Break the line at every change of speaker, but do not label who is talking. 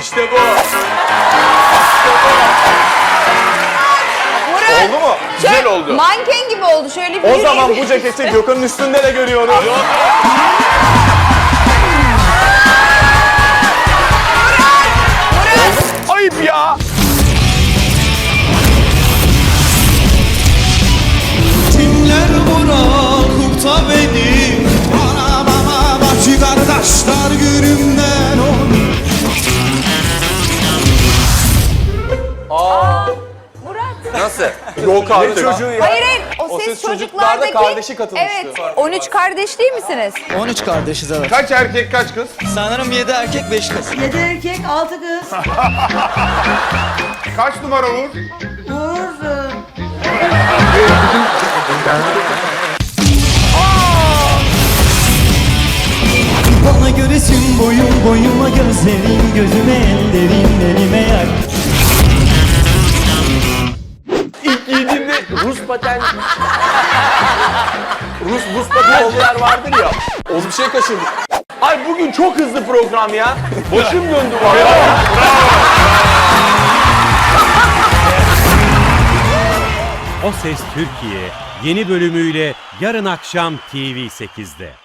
İşte bu.
Murat.
Oldu mu? Güzel oldu.
Manken gibi oldu. Şöyle bir
O
yürüyeyim.
zaman bu ceketi Gökhan'ın üstünde de görüyorum. Ayıp ya.
Kimler bırakıp da beni bana bacı kardeşler günümden
Murat.
Nasıl? Yok abi çocuğu ya.
Hayır hayır. O
Ses
ses
Çocuklar'da
çocuklardaki...
kardeşi katılmıştı.
Evet. 13 kardeş değil misiniz?
13 kardeşiz evet.
Kaç erkek kaç kız?
Sanırım 7 erkek 5 kız.
7 erkek 6 kız.
Kaç numara Uğur?
Uğur.
Bana göresin boyum boyuma gözlerin gözüme ellerin elime yer.
İlk giydiğimde Rus paten... Rus buz patenciler vardır ya. O bir şey kaçırdı. Ay bugün çok hızlı program ya. Başım döndü vallahi.
O Ses Türkiye yeni bölümüyle yarın akşam TV8'de.